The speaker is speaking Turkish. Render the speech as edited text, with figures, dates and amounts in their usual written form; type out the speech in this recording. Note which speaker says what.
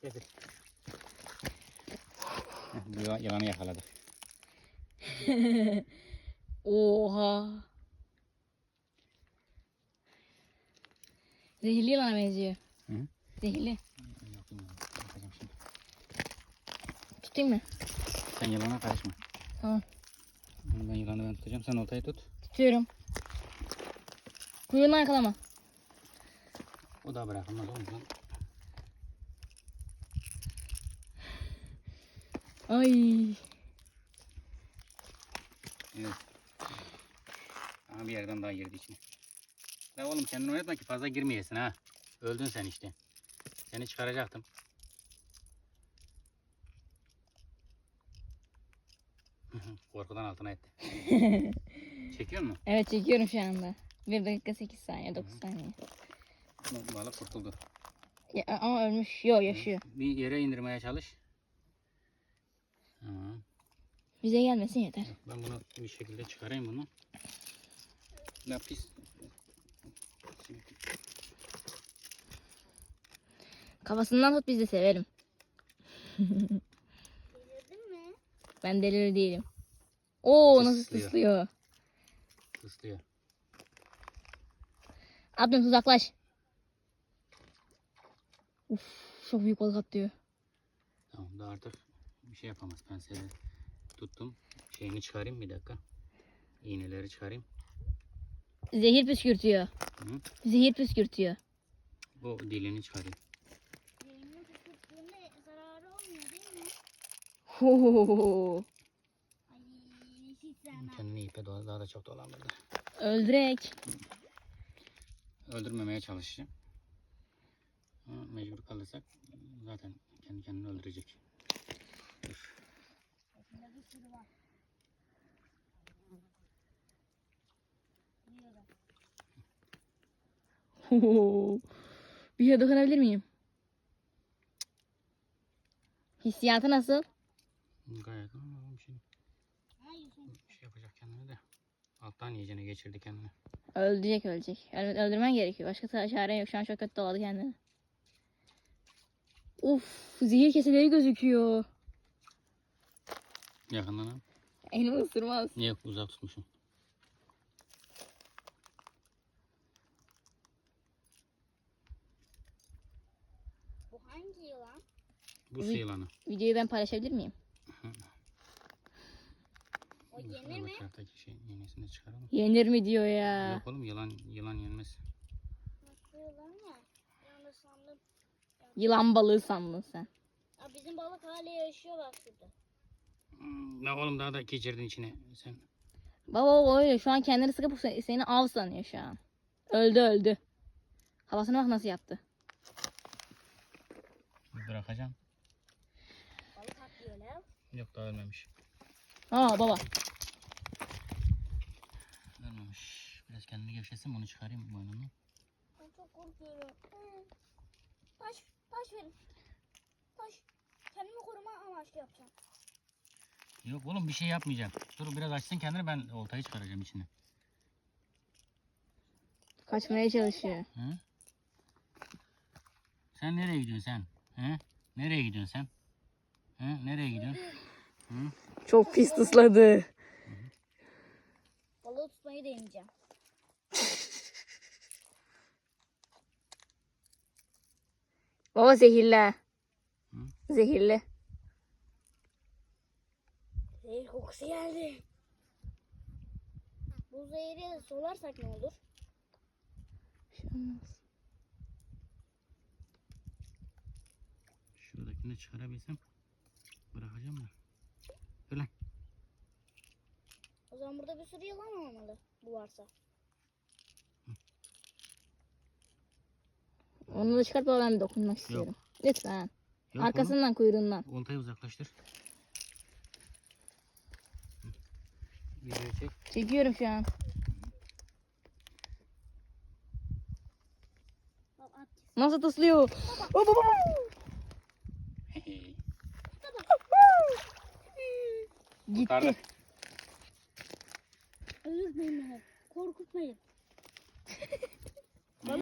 Speaker 1: Getir. Bu yılanı yakaladık.
Speaker 2: Oha. Zehirli yılana benziyor.
Speaker 1: Hı?
Speaker 2: Zehirli.
Speaker 1: Yapayım şimdi.
Speaker 2: Tutayım mı?
Speaker 1: Sen yılana karışma.
Speaker 2: Tamam.
Speaker 1: Ben yılanı tutacağım. Sen oltayı tut.
Speaker 2: Tutuyorum. Kuyruğundan yakalama.
Speaker 1: O da bırakılmaz oğlum.
Speaker 2: Ay.
Speaker 1: Evet. Aha bir yerden daha girdi içine. Ya oğlum kendini oynatma ki fazla girmeyesin ha. Öldün sen işte. Seni çıkaracaktım. Korkudan altına etti. Çekiyor musun?
Speaker 2: Evet çekiyorum şu anda. 1 dakika 8 saniye 9 saniye.
Speaker 1: Balık kurtuldu.
Speaker 2: Ya, ama ölmüş. Yok yaşıyor.
Speaker 1: Bir yere indirmeye çalış. Tamam.
Speaker 2: Bize gelmesin yeter.
Speaker 1: Ben bunu bir şekilde çıkarayım bunu. Ne pis.
Speaker 2: Kafasından tut biz de severim.
Speaker 3: Delirdin mi?
Speaker 2: Ben deli değilim. Oo nasıl
Speaker 1: Tıslıyor.
Speaker 2: tıslıyor.
Speaker 1: Tıslıyor.
Speaker 2: Abdüm uzaklaş. Uf çok büyük balık atlıyor.
Speaker 1: Tamam da artık bir şey yapamaz. Ben seni tuttum. Şeyini çıkarayım bir dakika. İğneleri çıkarayım.
Speaker 2: Zehir püskürtüyor.
Speaker 1: Hı?
Speaker 2: Zehir püskürtüyor.
Speaker 1: Bu dilini çıkarayım.
Speaker 3: Yayını tuttuğunda zararı olmuyor değil mi?
Speaker 2: Ho.
Speaker 3: Ay hiç sevmem.
Speaker 1: Kendini ipe daha da çok dolandırdı.
Speaker 2: Öldürek.
Speaker 1: Öldürmemeye çalışacağım. Ama mecbur kalırsak zaten kendi kendini öldürecek. Dur.
Speaker 3: Içinde bir sürü var. Biliyorum.
Speaker 2: Ho. Bir şey dokunabilir miyim? Hissiyatı nasıl?
Speaker 1: Gayet ama bir şey,
Speaker 3: Hayır sen.
Speaker 1: bir şey yapacak kendine de. Alttan yiyeceğine geçirdi kendini.
Speaker 2: Öldürecek ölecek. Evet, öldürmen gerekiyor. Başka çare yok. Şu an çok kötü doladı kendini. Uf, zehir keseleri gözüküyor.
Speaker 1: Yakından al.
Speaker 2: Elimi ısırmaz.
Speaker 1: Niye uzak tutmuşum?
Speaker 3: Bu hangi yılan?
Speaker 1: Bu su yılanı.
Speaker 2: Videoyu ben paylaşabilir miyim?
Speaker 3: O yenir mi?
Speaker 1: Bıçaktaki şey iğnesini çıkaralım.
Speaker 2: Yenir mi diyor ya.
Speaker 1: Yok oğlum yılan yenmez.
Speaker 3: Nasıl yılan ya? Ben de sandım.
Speaker 2: Yılan balığı sandın sen.
Speaker 3: Aa, bizim balık hala yaşıyor bak şurada.
Speaker 1: Ne oğlum daha da geçirdin içine sen.
Speaker 2: Baba öyle şu an kendini sıkıp seni av sanıyor şu an. Öldü. Havasına bak nasıl yaptı.
Speaker 1: Bırakacağım.
Speaker 3: Balık atlıyor lan.
Speaker 1: Yok daha ölmemiş.
Speaker 2: Aa baba.
Speaker 1: Ölmemiş. Biraz kendini gevşetsin onu çıkarayım boynunu.
Speaker 3: Ben çok korkuyorum. Taş verin. Taş. Kendimi koruma amaçlı yapacağım.
Speaker 1: Yok oğlum bir şey yapmayacağım. Dur biraz açsın kendini ben oltayı çıkaracağım içine.
Speaker 2: Kaçmaya çalışıyor.
Speaker 1: Hı? Sen nereye gidiyorsun sen? Hı? Nereye gidiyorsun sen? Hı? Nereye gidiyorsun? Hı?
Speaker 2: Çok pis ısladı.
Speaker 3: Balığı tutmayı deneyeceğim.
Speaker 2: Baba zehirli.
Speaker 1: Hı?
Speaker 2: Zehirli.
Speaker 3: Zehir kokusu geldi. Bu zehri solarsak ne olur?
Speaker 1: Şuradakini çıkarabilsem bırakacağım da. Öyle.
Speaker 3: O zaman burada bir sürü yılan olmalı. Bu varsa.
Speaker 2: Onu da çıkart baba ben dokunmak istiyorum. Lütfen.
Speaker 1: Yok
Speaker 2: Arkasından kuyruğundan.
Speaker 1: oğlum. Oltayı uzaklaştır. Videoyu çek.
Speaker 2: Çekiyorum şu an.
Speaker 3: Bak at.
Speaker 2: Nasıl tıslıyor? Oh, baba. Gitti.
Speaker 3: Öldürmeyin beni. Korkutmayın.